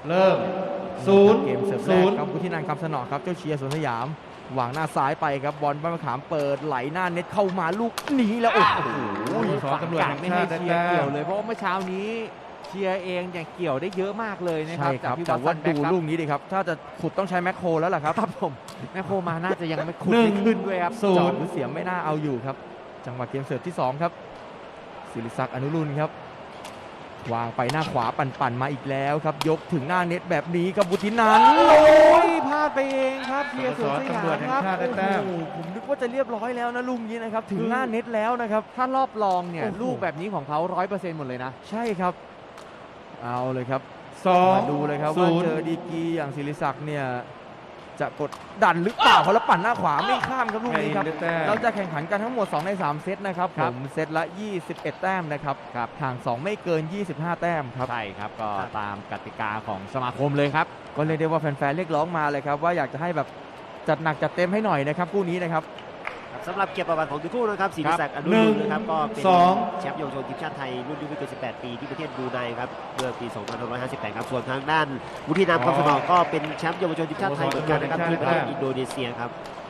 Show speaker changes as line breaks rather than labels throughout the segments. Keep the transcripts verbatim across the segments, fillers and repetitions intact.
เริ่มศูนย์
เกมเสิร์ฟแรกครับวุฒินันท์คำสนอครับเจ้าเชียร์สวนสยามวางหน้าซ้ายไปครับบอลบ้านมะขามเปิดไหลหน้าเน็ตเข้ามาลูกนี้แล้วโอ้โห
สอนตำรวจ
ฝั่ง
แห่ง
ไม่
ชา
ให้
ติได้
เชียร์
แต้
เกี่ยว
ม
เลยเพราะว่าเมื่อเช้านี้เชียร์เองเนี่ยเกี่ยวได้เยอะมากเลยนะครั
ใช่
บ
ครับ
พี่
แต่
วั
ว่า
ตสันแบ็
ดู
คครับ
ลูกนี้ดิครับถ้าจะขุดต้องใช้แมคโครแล้วล่ะครับ
ครับผมแม่โคมาน่าจะยังไม่ขุด
หนึ่ง
ไม่ขึ้นด้วยครับ
ศู
จ
น
อ
ย์
ดหรือเสียไม่น่าเอาอยู่ครับจังหวะเกมเสิร์ฟที่สองครับศิริศักดิ์อนุรุณครับวางไปหน้าขวาปั่นๆมาอีกแล้วครับยกถึงหน้าเน็ตแบบนี้ครับวุฒินันท์
โอ้ยพลาดไปเองครับเชียร์สวนสยาม
ตำรวจแห่
ค
ง
รับ
ชาติได้แต้ม
โอ้โหผมนึกว่าจะเรียบร้อยแล้วนะลูกนี้นะครับถึงหน้าเน็ตแล้วนะครับ
ถ้ารอบรองเนี่ย
โอ้โห
ลูกแบบนี้ของเขาร้อยเปอร์เซ็นต์หมดเลยนะ
ใช่ครับเอาเลยครับ
สอง
มาดูเลยครับ
ศู
ว่าน
ย์
เจอดีกรีอย่างศิริศักดิ์เนี่ยจะกดดันหรือเปล่าเพราะแล้วปั่นหน้าขวาไม่ข้ามครับลูก
แม่
นี้
อิน
ครับ
ได้แต้ม
เราจะแข่งขันกันทั้งหมดสองในสามเซตนะครับ
ค
ผ
รับ
มเซตละยี่สิบเอ็ดแต้มนะครับ
ครับ
ห่างสองไม่เกินยี่สิบห้าแต้มครับ
ใช่ครับก็ตามกติกาของสมาคมเลยครับ
ก็เรียกได้ว่าแฟนๆเรียกร้องมาเลยครับว่าอยากจะให้แบบจัดหนักจัดเต็มให้หน่อยนะครับคู่นี้นะครับ
สำหรับเกียรติประวัติของทั้งคู่นะครับศิริศักดิ์อนุ
หนึ่
รุ
ง
ณนะครับก็เป็น
สอง
แชมป์เยาวชนทีมชาติไทยรุ่นอายุไม่เกินสิบแปดปีที่ประเทศบรูไนครับเมื่อปี สองพันห้าร้อยห้าสิบแปด ครับส่วนทางด้านวุฒินันท์คำสนอก็เป็นแชมป์เยาวชนทีมชาติไทยเหมือนกันนะครับที่ประเทศอินโดนีเซียครับ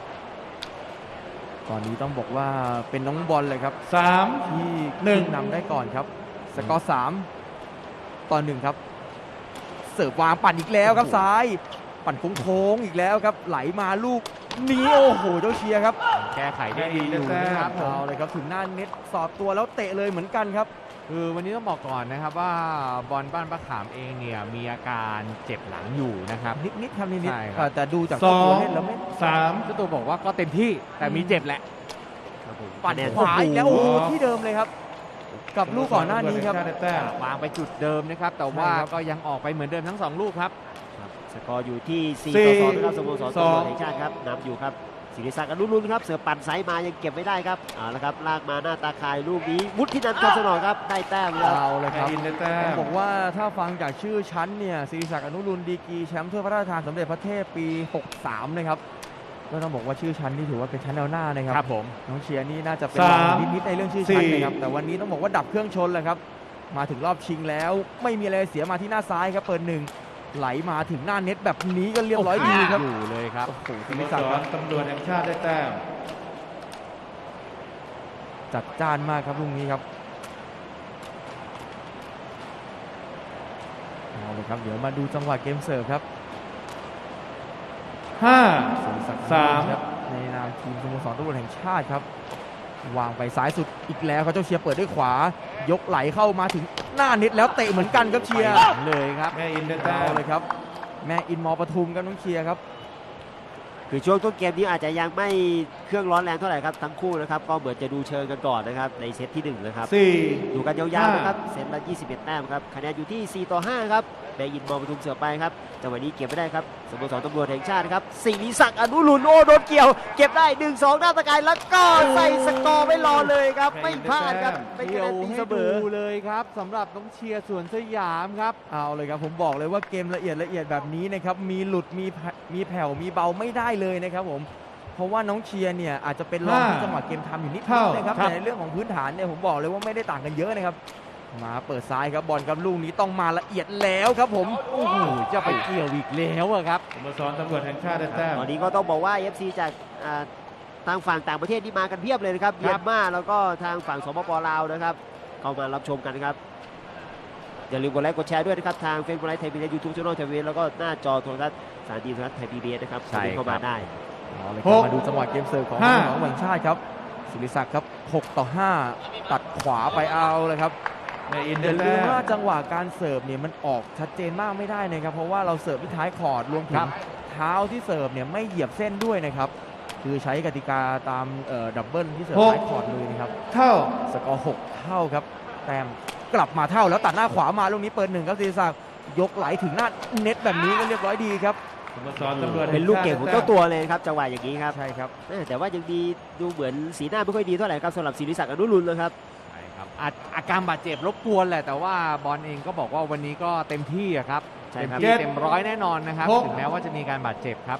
ตอนนี้ต้องบอกว่าเป็นน้องบอลเลยครับ
สาม
ที่
หนึ่ง
ขึ้นนำได้ก่อนครับสกอร์สามต่อหนึ่งครับเสิร์ฟวางปั่นอีกแล้วครับซ้าย ปั่นโค้งๆอีกแล้วครับไหลมาลูกนี้โอ้โหเจ้าเชียร์ครับ
แก้ไขได้ดีอยู่นะครับผม
เอาเลยครับถึงหน้าเน็ตสอดตัวแล้วเตะเลยเหมือนกันครับ
คือวันนี้ต้องบอกก่อนนะครับว่าบอลบ้านมะขามเองเนี่ยมีอาการเจ็บหลังอยู่นะครับ
นิดๆครับนิด
ใช่
ๆ
ครับ
แต่ดูจาก
สอง
ตัวเล่นแล้วไม่
สาม
เจ้าตัวบอกว่าก็เต็มที่แต่มีเจ็บแหละ
ครับผม
ปั่น
คะแนน
ขวาอีกแล้วโอ้โห
โอ้โห
ที่เดิมเลยครับ กับลูกก่อนหน้านี้ครับ
ตำวจแห่งชาติได้แต้ม
วางไปจุดเดิมนะครับแต่ว่า
ใช่ครับ
ก็ยังออกไปเหมือนเดิมทั้งสองลูกครับ
ครับสกอร์อยู่ที่ สี่
สี่
ต่อสองนะครับสโมสร
ส
ตำ
อ
รว
ง
จแห่งชาติครับนำอยู่ครับศิริศักดิ์อนุรุณครับเสือปั่นไซส์มายังเก็บไม่ได้ครับเอาละครับลากมาหน้าตาคายลูกนี้วุฒินันท์คำสนอครับได้แต้มครับ
เอาเลยค
แม่
รับ
อินได้แต้
ต้อง
ม
บอกว่าถ้าฟังจากชื่อชั้นเนี่ยศิริศักดิ์อนุรุณดีกรีแชมป์ถ้วยพระราชทานสมเด็จพระเทพปี หกสาม นะครับก็ต้องบอกว่าชื่อชั้นนี่ถือว่าเป็นชั้นแนวหน้านะครับ
ครับผม
น้องเชียร์นี่น่าจะเป็น
สาร
อง
ม
นิดๆในเรื่องชื่อชั้น
สี่
นะครับแต่วันนี้ต้องบอกว่าดับเครื่องชนเลยครับมาถึงรอบชิงแล้ว ไม่มีอะไรเสียมาที่หน้าซ้ายครับเปิดหนึ่งไหลมาถึงหน้าเน็ตแบบนี้ก็เรียบร้อยดีครับ
อยู่เลยครับ
โอ้โห
ส
ศิ
โม
ริ
ส
ศักดิ์ค
ร
รับ
ตำรวจแห่งชาติได้แต้ม
จัดจ้านมากครับลูกนี้ครับเอาเลยครับเดี๋ยวมาดูจังหวะเกมเสิร์ฟครับ
ห้า
ศิริศักดิ์
สาม
ครับในนามทีมสโมสรตำรวจแห่งชาติครับวางไปซ้ายสุดอีกแล้วครับเจ้าเชียร์เปิดด้วยขวายกไหลเข้ามาถึงหน้าเน็ตแล้วเตะเหมือนกันครับเชียร์
ไปหลังเลยครับ
แม่อินได้แต้
เอา
ม
เลยครับแม่อินมอปทุมครับน้องเชียร์ครับ
คือช่วงต้นเกมนี้อาจจะยังไม่เครื่องร้อนแรงเท่าไหร่ครับทั้งคู่นะครับก็เหมือนจะดูเชิงกันก่อนนะครับในเซตที่หนึ่งนะครับ
สี่
ดูกันยาวๆนะครับเซตละยี่สิบเอ็ดแต้มครับคะแนนอยู่ที่ สี่ต่อห้า ครับแบยินบอลปทุมเสือไปครับจังหวะนี้เก็บไม่ได้ครับสโมสรตำรวจแห่งชาติครับศิริศักดิ์อนุรุณโอ้โดนเกี่ยว เก็บได้ หนึ่งสอง หน้าตะกายแล้วก็ใส่สกอร์ไว้รอเลยครับไม่พลาดครับเป็นคะ
เกี่
แน
ยวน
ตี
ให้
เสม
ดู
อ
เลยครับสำหรับน้องเชียร์สวนสยามครับ
เอาเลยครับผมบอกเลยว่าเกมละเอียดละเอียดแบบนี้นะครับมีหลุดมีแผ่มีแผ่วมีเบาไม่ได้เลยนะครับผมเพราะว่าน้องเชียร์เนี่ยอาจจะเป็นรองที่จังหวะเกมทำอยู่นิดนึงนะครับแต่ในเรื่องของพื้นฐานเนี่ยผมบอกเลยว่าไม่ได้ต่างกันเยอะนะครับมาเปิดซ้ายครับบอลกับลูกนี้ต้องมาละเอียดแล้วครับผม
โอ้โหจะไปเกี่ยวอีกแล้วอะครับ
สโมสรตำรวจแห่งชาติได้แต้ม
ตอนนี้ก็ต้องบอกว่า เอฟ ซี จากอ่าทางฝั่งต่างประเทศนี่มากันเพียบเลยนะครับ
ค
เมี
รั
ย
บ
นมาแล้วก็ทางฝั่งสปปลาวนะครับเข้ามารับชมกันนะครับอย่าลืมกดไลค์กดแชร์ด้วยนะครับทางเฟซบุ๊กไลฟ์ไทยพีบีเอสยูทูบช่องทีวีแล้วก็หน้าจอโทรทัศน์สถานีโทรทัศน์ไทยพีบีเอสนะครับ
ใช่
เข้ามา
ครับ
ได้
เอาเลยครับมาดูจังหวะเกมเสิร์ฟของ
ห้า
น้องแห่งชาติครับศิริศักดิ์ครับหกต่อห้าตัดขวาไปเอาเลยครับ
แม่อิน
อ
ได้
ย่าลื
แต้
ม
ม
ว่าจังหวะการเสิร์ฟเนี่ยมันออกชัดเจนมากไม่ได้นะครับเพราะว่าเราเสิร์ฟที่ท้ายคอร์ดรวมถึ
ครั
ง
บ
เท้าที่เสิร์ฟเนี่ยไม่เหยียบเส้นด้วยนะครับคือใช้กติกาตามเอ่อดับเบิลที่เสิร์ฟ
หก
ท้ายคอร์ดเลยนะครับ
เท่า
สกอร์หกเท่าครับแต้มกลับมาเท่าแล้วตัดหน้าขวามาลูกนี้เปิดหนึ่งครับศิริศักดิ์ยกไหลถึงหน้าเน็ตแบบนี้ก็เรียบร้อยดีครับ
สโมสรตำรวจแห่
เป็น
ง
ลูก
ชาติ
เก่งของ
ได้
เจ้า
แต้ม
ตัวเลยครับจังหวะอย่างนี้ครับ
ใช่ครับ
แม่แต่ว่ายังดีดูเหมือนสีหน้าไม่ค่อยดีเท่าไหร่ครับสำหรับศิริศักดิ์อนุรุณนะครับ
ใช่ครับอาอาการบาดเจ็บรบกวนแหละแต่ว่าบอลเองก็บอกว่าวันนี้ก็เต็มที่อะครับ
ใช่
เต็ม
ครับ
ที่เต็มร้อยแน่นอนนะครับ
หก
ถึงแม้ว่าจะมีการบาดเจ็บครับ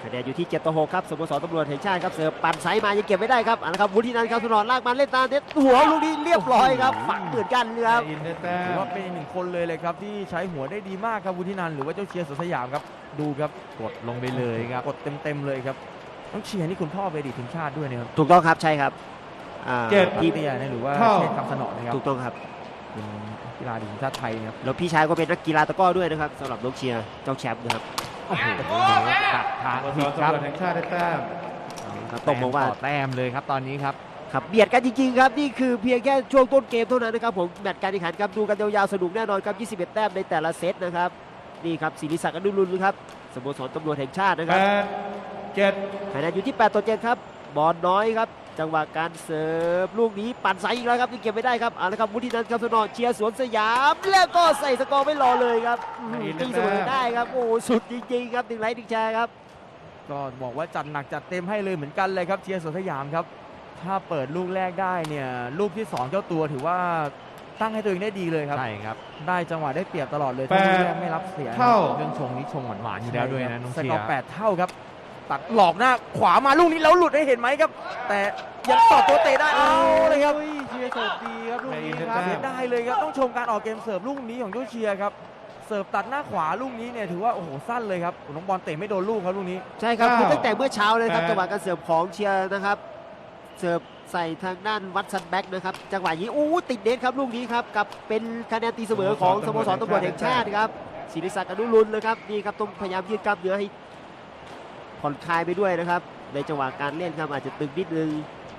คะแนนอยู่ที่เจ็ดต่อหกครับสโมสรตำรวจแห่งชาติครับเสิร์ฟปั่นไซส์มายังเก็บไม่ได้ครับเอาละครับวุฒินันท์ครับสุนทรลากมาเล่นตามเน็ตหัวลูกนี้เรียบร้อยครับฝังเหมือนกันเลยครับ
แม่อินได้แต้
ถือ
ม
ว่าเป็นอีกหนึ่งคนเลยเลยครับที่ใช้หัวได้ดีมากครับวุฒินันท์หรือว่าเจ้าเชียร์สวนสยามครับดูครับ
กดลงไปเลยครับ
กดเต็มๆเลยครับน้องเชียร์นี่คุณพ่อไปนอดีตทีมชาติด้วยนะครับ
ถูกต้องครับใช่ครับอ่า
เจ็ด
พี่เตียนะหรือว่า
เท่า
เชษฐ์คำสนอนะครับ
ถูกต้องครับ
เป็นกีฬาทีมชาติไทยนะครับ
แล้วพี่ชายก็เป็นนักกีฬาตะกร้อด้วยนะครับสำหรับน้องเชียร์เจ้าแชมป์นะครับ
โอ้โหดักทาง
สโม
ผิ
ส
ด
ร
ครับ
ตำรวจแห่งชาติได้แต้ม
ครับต้องบอกว่า
แต้มต่อแต้มเลยครับตอนนี้ครับ
ครับเบียดกันจริงๆครับนี่คือเพียงแค่ช่วงต้นเกมเท่านั้นนะครับผมแมตช์การแข่งขันครับดูกันยาวๆสนุกแน่นอนครับยี่สิบเอ็ดแต้มในแต่ละเซตนะครับนี่ครับศิริศักดิ์อนุรุณครับสโมสรตำรวจแห่งชาตินะค
แป
รับ
ดเจ็ด
คะแนนอยู่ที่แปดต่อเจ็ดครับบอลน้อยครับจังหวะการเสิร์ฟลูกนี้ปั่นไซส์อีกแล้วครับที่เก็บไม่ได้ครับเอาละครับวุฒินันท์ครับสนอเชียร์สวนสยามแล้วก็ใส่สกอร์ไม่รอเลยครับอืมตีเสมอได้ครับโอ้สุดจริงๆครับหนึ่งไลค์หนึ่งแชร์ครับ
ก็บอกว่าจัดหนักจัดเต็มให้เลยเหมือนกันเลยครับเชียร์สวนสยามครับถ้าเปิดลูกแรกได้เนี่ยลูกที่สองเจ้าตัวถือว่าตั้งให้ตัวเองได้ดีเลยครับ
ใช่ครับ
ได้จังหวะได้เปรียบตลอดเลยถ้าลูกแรกไม่รับเสีย
เท่า
เรื่องชงนี้ชงหวานๆอยู่แล้วด้วยนะน้อง
ส
เชี
ก
ย
อ
ร์
ร์แปดเท่าครับตัดหลอกหน้าขวามาลูกนี้แล้วหลุดให้เห็นไหมครับ แต่ยังต่อตัวเตะได้เอาเลยครับ
เชียร์เสิร์ฟดีครับลูกนี้ครับ
เสียได้เลยครับต้องชมการออกเกมเสิร์ฟลูกนี้ของเจ้าเชียร์ครับเสิร์ฟตัดหน้าขวาลูกนี้เนี่ยถือว่าโอ้โหสั้นเลยครับน้องบอลเตะไม่โดนลูกครับลูกนี้
ใช่ครับ
เก้า
คือตั้งแต่เมื่อเช้าเลยครับ
แปด
จังหวะการเสิร์ฟของเชียร์นะครับเสิร์ฟใส่ทางด้านวัดซันแบ็กนะครับจังหวะนี้อู้ติดเน็ตครับลูกนี้ครับกับเป็นคะแนนตีเสมอของสโมสรตำรวจแห่งชาติครับศิริศักดิ์อนุรุณเลยครับนี่ครับต้องพยายามยืดกล้ามเนื้อให้ผ่อนคลายไปด้วยนะครับในจังหวะการเล่นครับอาจจะตึงนิดนึง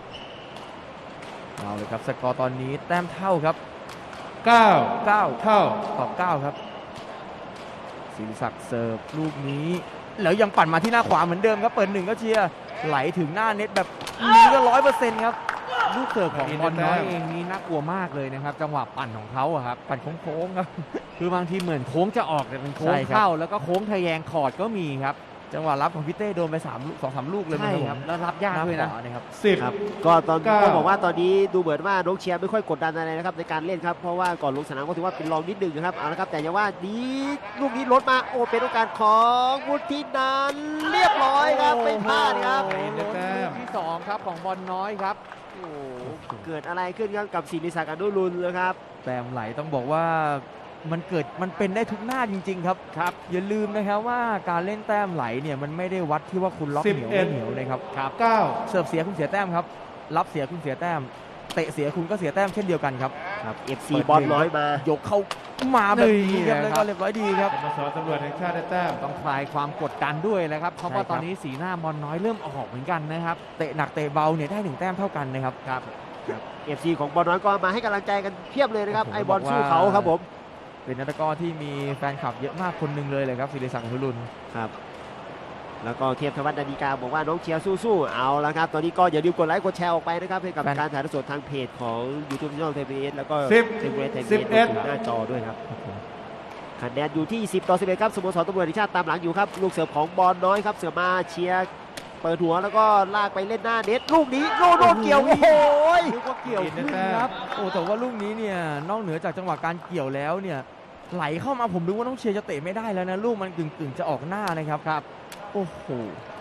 เอาเลยครับสกอร์ตอนนี้แต้มเท่าครับ
เก้า
เก้า
เท่า
ต่อเก้าครับศิริศักดิ์เสิร์ฟลูกนี้แล้วยังปั่นมาที่หน้าขวาเหมือนเดิมครับเปิดหนึ่งก็เชียร์ไหลถึงหน้าเน็ตแบบนี้ก็ร้อยเปอร์เซ็นต์ครับ
ลูกเสิร์ฟของบอลน้อยเองนี่น่ากลัวมากเลยนะครับ จังหวะปั่นของเขาอะครับ
ปั่นโค้งๆครับ
คือบางทีเหมือนโค้งจะออกแต่เป็นโค้
ใช่
ง
ครับ
เข้าแล้วก็โค้งทะแยงคอร์ดก็มีครับ
จังหวะรับของพี่เต้โดนไปสามลูกสองสามลูกเลย
ใช่
มั้ง
ครับ
ผม
แล้วรับยากด้วยนะ
หขวนะครับ
สิบ
ครับก็ตอน
เก้า
ก็บอกว่าตอนนี้ดูเหมือนว่าน้องเชียร์ไม่ค่อยกดดันอะไรนะครับในการเล่นครับเพราะว่าก่อนลงสนามก็ถือว่าเป็นรองนิดนึงนะครับเอาละครับแต่อย่าว่านี้ลูกนี้ลดมาโอ้เป็นโอกาสของวุฒินันท์เรียบร้อยครับไม่พลาดครับ
โอ้โหลูกที่สองครับของบอลน้อยครับ
โอ้โหเกิดอะไรขึ้นครับกับศิริศักดิ์อนุรุณเลยครับ
แต้มไหลต้องบอกว่ามันเกิดมันเป็นได้ทุกหน้าจริง ๆ ครับครับ อย่าลืมนะครับว่าการเล่นแต้มไหลเนี่ยมันไม่ได้วัดที่ว่าคุณล็อกเหนียว
สิบเอ็ด
ไม่เหนียวนะครับ
เก้า
เสิร์ฟเสียคุณเสียแต้มครับรับเสียคุณเสียแต้มเตะเสียคุณก็เสียแต้มเช่นเดียวกันครับ
ครับ เอฟ ซี บอลน้อยมา
ยกเข้ามาแบบนี้ครับ
นี่
แล้ว
นะครับ
ก็เรียบร้อยดีครับ
สโมสรตำรวจแห่งชาติได้แต้ม
ต้องคลายความกดดันด้วยนะครับ เพราะว่า
ใช่ครับ
ตอนนี้สีหน้าบอลน้อยเริ่มออกเหมือนกันนะครับ
เตะหนักเตะเบาเนี่ยได้หนึ่งแต้มเท่ากันนะครับ
ครับ
เอฟ ซี ของบอลน้อยก็มาให้กำลังใจกันเพียบเลยนะครับ
ผม
ไอบอล
บอกว่า
สู้เขาครับผม
เป็นนักตะกร้อที่มีแฟนคลับเยอะมากคนหนึ่งเลยเลยครับศิริศักดิ์อนุรุณ
ครับแล้วก็เทียบธวัฒน์นาฬิกาบอกว่าน้องเชียร์สู้ๆเอาละครับตอนนี้ก็อย่าลืมกดไลค์กดแชร์ออกไปนะครับให้กับการถ่ายทอดสดทางเพจของ YouTube Channel ไทยพีบีเอสแล้วก็
สิบ
เทเวไทยพี
สิบ
บี
เอ็
เอ
ด
สหน้าจอด้วยครับคะแนนอยู่ที่สิบต่อสิบเอ็ดครับสโมสรตำรวจแห่งชาติตามหลังอยู่ครับลูกเสิร์ฟของบอลน้อยครับเสิร์ฟมาเชียร์เปิดหัวแล้วก็ลากไปเล่นหน้าเน็ตลูกนี้โลโดนเกี่ยวโอ้โห
นึกว่าเกี่ยวขึ้นครับโอ้แต่ว่าลูกนี้เนี่ยนอกเหนือจากจังหวะการเกี่ยวแล้วเนี่ยไหลเข้ามาผมดูว่าน้องเชียร์จะเตะไม่ได้แล้วนะลูกมันกึ่งๆจะออกหน้านะครับครับโอ้โห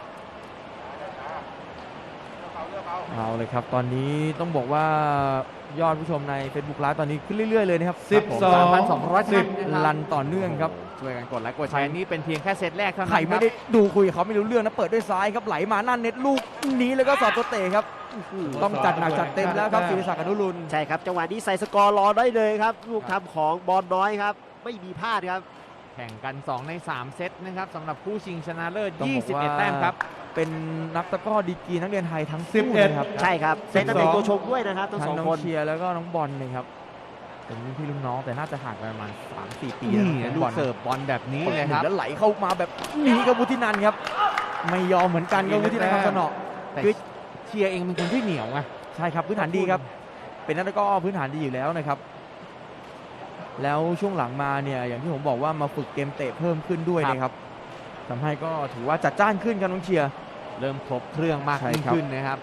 เอาเลยครับตอนนี้ต้องบอกว่ายอดผู้ชมใน Facebook Live ตอนนี้ขึ้นเรื่อยๆเลยนะครับ
สิบสอง
สามพันสองร้อย
สิ
สิ
บ
บ
ลันต่อเนื่องครับ
ช่วยกันกดไลค์กดแชร์นี่เป็นเพียงแค่เซตแรกเท่านั้น
ใครไม่
ค
ได้
บ
ดูคุยกับเขาไม่รู้เรื่องนะเปิดด้วยซ้ายครับไหลมาหน้าเน็ตลูกนี้แล้วก็สอดตัวเตะครับต้องจัดหนักจัดเต็มแล้วครับศิริศักดิ์อนุรุณ
ใช่ครับจังหวะนี้ใส่สกอร์รอได้เลยครับลูกทำของบอลน้อยครับไม่มีพลาดครับ
แข่งกันสองในสามเซตนะครับสำหรับคู่ชิงชนะเลิศ
ต้องบอกว่า
ยี่สิบเอ็ด แต้มครับ
เป็นนักตะกร้อดีกรีนักเรียนไทยทั้ง
สิบ
คู่
เอ็ด
นะครับ
ใช่ครับเป็นนักเตะตัวชงด้วยนะครับทั้ง
ทั้
ส
ง
อง
น้อง
คน
เชียร์แล้วก็น้องบอลนะครับเป็นรุ่นพี่รุ่นน้องแต่น่าจะห่างกันประมาณสามสี่ปี
นี่
นะ
ลู
บ
ก
อล
เสิร์ฟบอลแบบนี้เลยครับ
แล้วไหลเข้ามาแบบนี้กับวุฒินันท์ครับไม่ยอมเหมือนกันกับวุฒินันท์คำสนอ
แต่
คือ
เชียร์เองเป็นคนที่เหนียวไง
ใช่ครับพื้นฐานดีครับเป็นนักตะกร้อพื้นฐานดีอยู่แล้วนะครับ แล้วช่วงหลังมาเนี่ยอย่างที่ผมบอกว่ามาฝึกเกมเตะเพิ่มขึ้นด้วยนะครับทำให้ก็ถือว่าจัดจ้านขึ้นครับน้องเชียร์
เริ่มครบเครื่องมาก
ใช่
ยิ่ง
ครับ
ขึ้นนะครับ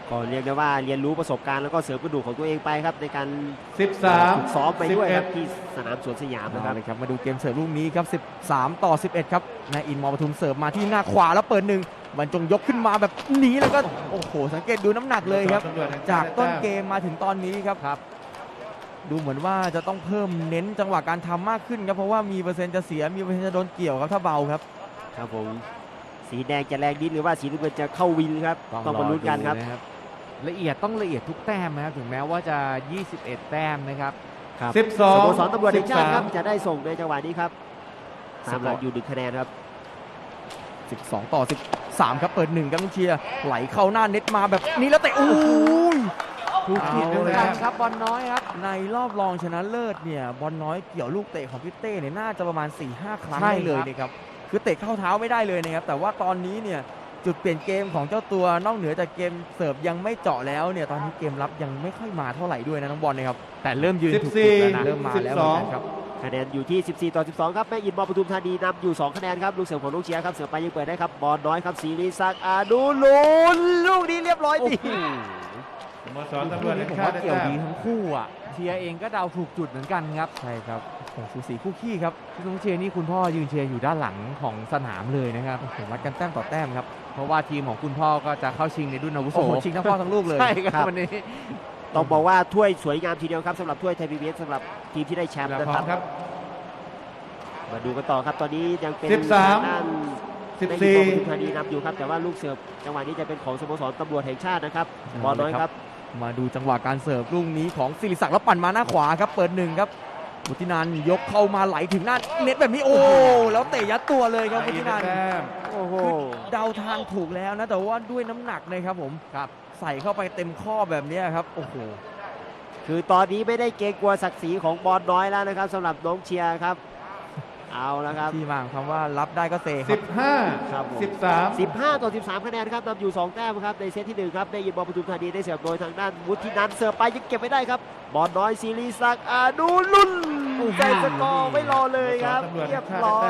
ก็เรียกได้ว่าเรียนรู้ประสบการณ์แล้วก็เสริมกระดูกของตัวเองไปครับในการ
สิบสาม
ฝึกซ้อมไปด้วยครับ
สิบเอ็ด
ที่สนามสวนสยามนะค
เอา
รับ
เลยครับมาดูเกมเสิร์ฟลูกนี้ครับสิบสามต่อสิบเอ็ดครับนายอินมอปทุมเสิร์ฟมาที่หน้าขวาแล้วเปิดหนึ่งบรรจงยกขึ้นมาแบบนี้แล้วก็โอ้โหสังเกตดูน้ำหนักเลยครับ
ตำรวจแห่งช
จาก
ติได้
ต้น
แต้ม
เกมมาถึงตอนนี้ครับครับ ดูเหมือนว่าจะต้องเพิ่มเน้นจังหวะการทำมากขึ้นครับเพราะว่ามีเปอร์เซ็นต์จะเสียมีเปอร์เซ็นต์จะโดนเกี่ยวครับถ้าเบาครับ
ครับผมสีแดงจะแรงดินหรือว่าสีน้ำเงินจะเข้าวินครับต้องมาลุ้นกันครับ
ดูะละเอียดต้องละเอียดทุกแต้มนะครับถึงแม้ว่าจะ ยี่สิบเอ็ด แต้มนะครับ
ครับ
สิบสอ
ส
ง
โมสรตำรวจแห่งชาติครับ
สิบสาม
จะได้ส่งในจังหวะนี้ครับตามหลังอยู่หนึ่งคะแนนครับ
สิบสองต่อสิบสามครับเปิดหนึ่งครับลูกเชียร์ไหลเข้าหน้าเน็ตมาแบบนี้แล้วเตะโอ้ย
ถูกผิด
เอา
เลย
ละ
ครับ
ครับบอลน้อยครับ
ในรอบรองชนะเลิศเนี่ยบอลน้อยเกี่ยวลูกเตะของพี่เต้เนี่ยน่าจะประมาณ สี่ห้า ครั้ง
ใช่
ได้เลย
ครับ
นะครับคือเตะเข้าเท้าไม่ได้เลยนะครับแต่ว่าตอนนี้เนี่ยจุดเปลี่ยนเกมของเจ้าตัวนอกเหนือจากเกมเสิร์ฟยังไม่เจาะแล้วเนี่ยตอนนี้เกมรับยังไม่ค่อยมาเท่าไหร่ด้วยนะน้องบอลนะครับ
แต่เริ่มยืน
สิบ
ถูก
สี่
จุดแล้วนะ
เริ่มมาแล้วเหมือนกันครับ
คะแนนอยู่ที่ สิบสี่ ต่อ สิบสอง ครับแม่อินมอปทุมธานีนำอยู่ สอง คะแนนครับลูกเสือของลูกเชียร์ครับเสือไปยังเปิดได้ครับบอลน้อยครับศรีศักดิ์อนุรุณลูกนี้เรียบร้อยดี
สโมสรตำรวจแห่ง
ผม
ชา
ว่า
ติได้
เกี่ยว
แต้
ดี
ม
ทั้งคู่อ่ะ
เชียร์เองก็เดาถูกจุดเหมือนกันครับ
ใช่ครับโอ้โหสูสีคู่ขี้ครับ
พี่น้องเชียร์นี่คุณพ่อยืนเชียร์อยู่ด้านหลังของสนามเลยนะครับ
โอ้โหวัดกันแต้มต่อแต้มครับ
เพราะว่าทีมของคุณพ่อก็จะเข้าชิงในรุ่นอาวุโส
โอ้โหชิงทั้งพ่อทั้งลูกเลย
ใช่ค
ครั
รับบ วันนี้
ต้องบอกว่าถ้วยสวยงามทีเดียวครับสำหรับถ้วยไทยพีบีเอสสำหรับทีมที่ได้แชมป์
แล้ว
นะ
พร้
ค
อ
รั
ม
บ
ครับ
มาดูกันต่อครับตอนนี้ยังเป็น
สิบสาม
ทงด้าน
สิบ
ใน
สี่
ปทุมธานีนำอยู่ครับแต่ว่าลูกเสิร์ฟจังหวะนี้จะเป็นของสโมสรตำรวจแห่งชาตินะครับบอลน้อยครับ
มาดูจังหวะการเสิร์ฟลูกนี้ของศิริศักดิ์แล้วปั่นมาหน้าขวาครับเปิดหนึ่งครับวุฒินันท์ยกเข้ามาไหลถึงหน้าเน็ตแบบนี้โอ้แล้วเตะยัดตัวเลยครับวุฒินันท์
แต้ม
โอ้โห
คือเดาทางถูกแล้วนะแต่ว่าด้วยน้ำหนักนะครับผมครับใส่เข้าไปเต็มข้อแบบนี้ครับโอ้โห
คือตอนนี้ไม่ได้เกรงกลัวศักดิ์ศรีของบอลน้อยแล้วนะครับสำหรับน้องเชียร์ครับเอาละครับ
ที่มาของคำว่ารับได้ก็เซค
สิ
รับบ
ห้า
ครับผม
สิบสาม
สิบห้า ต่อ สิบสาม คะแนนครับนำอยู่ สอง แต้มครับในเซตที่หนึ่งครับได้ยินบอลปทุมธานีได้เสิร์ฟโดยทางด้านวุฒินันท์เสิร์ฟไปยังเก็บไม่ได้ครับบอลน้อยศิริศักดิ์อนุรุณใจสกอร์ไม่รอเลยครับเรียบร้อย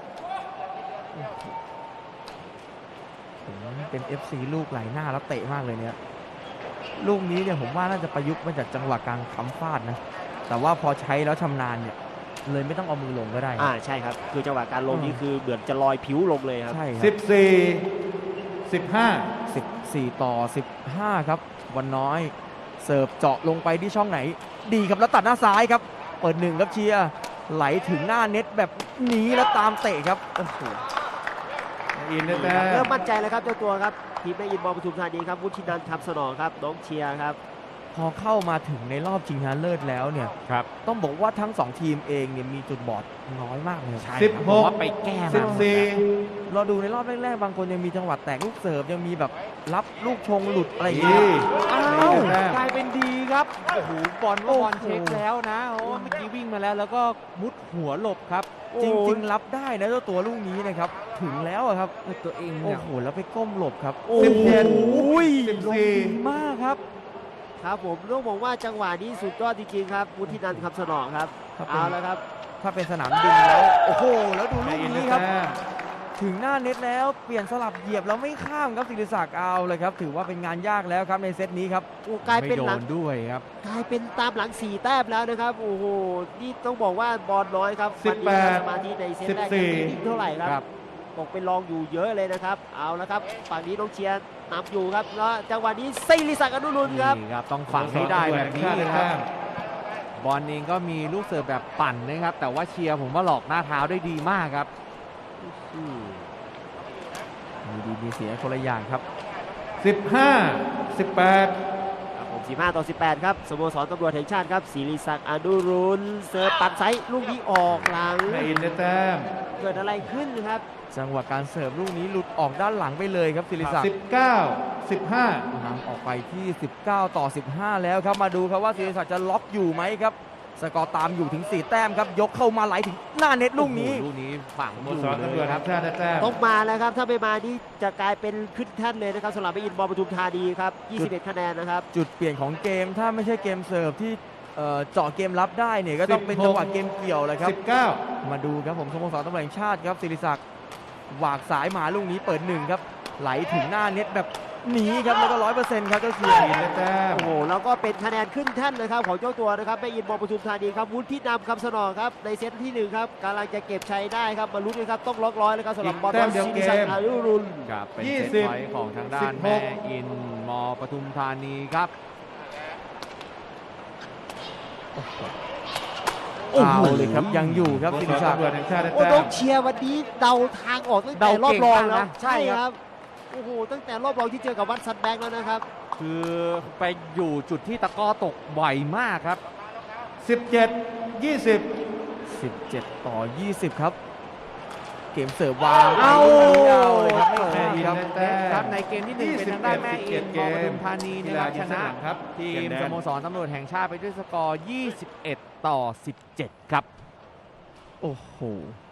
ผมเป็น เอฟ ซี ลูกไหลหน้าแล้วเตะมากเลยเนี่ยลูกนี้เนี่ยผมว่าน่าจะประยุกต์มาจากจังหวะการค้ำฟาดนะแต่ว่าพอใช้แล้วชำนาญเนี่ยเลยไม่ต้องเอามือลงก็ได้
อ่าใช่ครับคือจังหวะการลงนี่คือเหมือนจะลอยผิวลงเลยครับ
ใช่ครั
สิบสี่สิบห้า
สิบสี่ต่อสิบห้าครับวันน้อยเสิร์ฟเจาะลงไปที่ช่องไหน ดีครับแล้วตัดหน้าซ้ายครับเปิดหนึ่งครับเชียร์ไหลถึงหน้าเน็ตแบบนี้แล้วตามเตะครับโอ้โห
อินได้แต้
เริ่
ม
มมั่นใจแล้วครับเจ้าตัวครับทีมแม่อินบอลปทุมธานีครับวุฒินันท์ทำสนองครับน้องเชียร์ครับ
พอเข้ามาถึงในรอบชิงชนะเลิศแล้วเนี่ย
ครับ
ต้องบอกว่าทั้งสองทีมเองเนี่ยมีจุดบอดน้อยมากเลย
ใช่
สิบ
ครับ
ห
ผม
ก
ว่าไปแก้
สิ
มา
บ
หมด
สี่
แล้ว
เราดูในรอบแรกๆบางคนยังมีจังหวะแตกลูกเสิร์ฟยังมีแบบรับลูกชงหลุดอะไรอย่างเงี้ย
อ้า
นี่
ว
แต้ม
กลายเป็นดีครับโอ้โหบอลว่าบอล
โอ้โห
เช็คแล้วนะโอ้เมื่อกี้วิ่งมาแล้วแล้วก็มุดหัวหลบครับ
จริงๆรับได้นะเจ้าตัวลูกนี้นะครับถึงแล้วอะครับ
ตัวเอง
โอ้
เนี่ย
โหแล้วไปก้มหลบครับ
โอ้
สิบเจ็ด
ย
สิบสี่
ดีมากครับ
ครับผมต้องบอกว่าจังหวะนี้สุดยอดจริงๆครับวุฒินันท์ทำสนองครับ
ถ้าเป็
เอา
น
แล้วครับ
ถ้าเป็นสนามดินแล้วโอ้โหแล้วดูลู
ได้
ก
อินได้
นี้ครับ
แต้ม
ถึงหน้าเน็ตแล้วเปลี่ยนสลับเหยียบแล้วไม่ข้ามครับศิริศักดิ์เอาเลยครับถือว่าเป็นงานยากแล้วครับในเซตนี้ครับ
โอ้กลาย
ไม่
เป็น
โด
หลัง
นด้วยครับ
กลายเป็นตามหลังสี่แต้มแล้วนะครับโอ้โหนี่ต้องบอกว่าบอลน้อยครับ
สิบแปด
วันนี้ครับสมาธิในเซตแรก
สิบสี่
ยังไม่นิ่งเท่าไหร่ค
ครั
รับบ ตกเป็นรองอยู่เยอะเลยนะครับเอาแล้วครับฝั่งนี้น้องเชียร์นำอยู่ครับแล้วจังหวะนี้ศิริศักดิ์อนุรุณครับ
นี่ครับต้องฝังให้ได้แบบนี้
สโมสรตำรวจแห่งชาติได้
ครั
แต้
บ
ม
บอลเองก็มีลูกเสิร์ฟแบบปั่นนะครับ แต่ว่าเชียร์ผมว่าหลอกหน้าเท้าได้ดีมากครับ
อืม
มีดีมีเสียคนละอย่างครับ
สิบห้าสิบแปด
ครับผมสิบห้าต่อสิบแปดครับสโมสรตำรวจแห่งชาติครับศิริศักดิ์อนุรุณเสิร์ฟปัดไซส์ลูกนี้ออกหลัง
ได้อินได้แต้ม
เกิดอะไรขึ้นครับ
จังหวะการเสิร์ฟลูกนี้หลุดออกด้านหลังไปเลยครับศิริศัก
สิ
ดิ์
บเก้าสิบห้าน
ำออกไปที่ สิบเก้า ต่อ สิบห้า แล้วครับมาดูครับว่าศิริศักดิ์จะล็อกอยู่ไหมครับสกอร์ตามอยู่ถึงสี่แต้มครับยกเข้ามาไหลถึงหน้าเน็ตลูกนี้
โอ้โหลูกนี้ฝัง
สโม
อยู่
สรตำร
เล
วจ
ยค
แห่
รับ
งชาติได้แต้ม
ต้องมาแล้วครับถ้าไม่มานี่จะกลายเป็นขึ้นแท่นเลยนะครับสำหรับไปอินบอลปทุมธานีครับยี่สิบเอ็ดคะแนนนะครับ
จุดเปลี่ยนของเกมถ้าไม่ใช่เกมเสิร์ฟที่เอ่อเจาะเกมรับได้เนี่ยก็ต้องเป็นจังหวะเกมเกี่ยวเลยครับ
สิบเก้า
มาดูครับผมสโมสรตำรวจแห่งชาติครับศิริศักดิ์หวากสายมาลูกนี้เปิดหนึ่งครับไหลถึงหน้าเน็ตแบบหนีครับแล้วก็ร้อยเปอร์เซ็นต์ครับเจ้าเชียร์
อินได้แต้ม
โอ้โหแล้วก็เป็นคะแนนขึ้นแท่นนะครับของเจ้าตัวนะครับแม่อินมอปทุมธานีครับวุฒินำคำสนองครับในเซตที่หนึ่งครับกำลังจะเก็บชัยได้ครับมาลุ้นกันครับต้องล็อกร้อยแล้วครับสำหรับบอลบอลศิริศักดิ์อายุรุน
ครับเป็น
ยี่
เซ
สิ
ต
บ
ไฟท์ของทางด้าน
สิบห
แม่
ก
อินมอปทุมธานีครับ
เอาเลยครับยังอยู่ครับ
ส
ศิ
โม
ริ
สร
ศักดิ์
ตำรวจแห่งชาติได้
โอ้
แต้
น้อ
ม
งเชียร์วันนี้เดาทางออกตั้งแต่
เดาร
อบ
เก่ง
รอง
มาก
แล้ว
นะ
ใช่
ใช่
ค
ครั
รับบ โอ้โหตั้งแต่รอบรองที่เจอกับวัดซันแบงค์แล้วนะครับ
คือไปอยู่จุดที่ตะกร้อตกบ่อยมากครับ
สิบเจ็ด ยี่สิบ
สิบเจ็ดต่อยี่สิบครับเกมเสิร์ฟวาง
เอา
เอาเลยครับไม่
แม่
ข้าม
อิน
ครับ
ได้แต้ม
ครับในเกมที่หนึ่งเป็นทางด้านแม่อินมอปทุมธานี
กี
นะค
ฬา
รับ
ยิ
ช
งส
นะ
นามครับ
ที
เปลี่ย
ม
นแด
ส
น
โมสรตำรวจแห่งชาติไปด้วยสกอร์ ยี่สิบเอ็ด ต่อ สิบเจ็ด ครับ
โอ้โห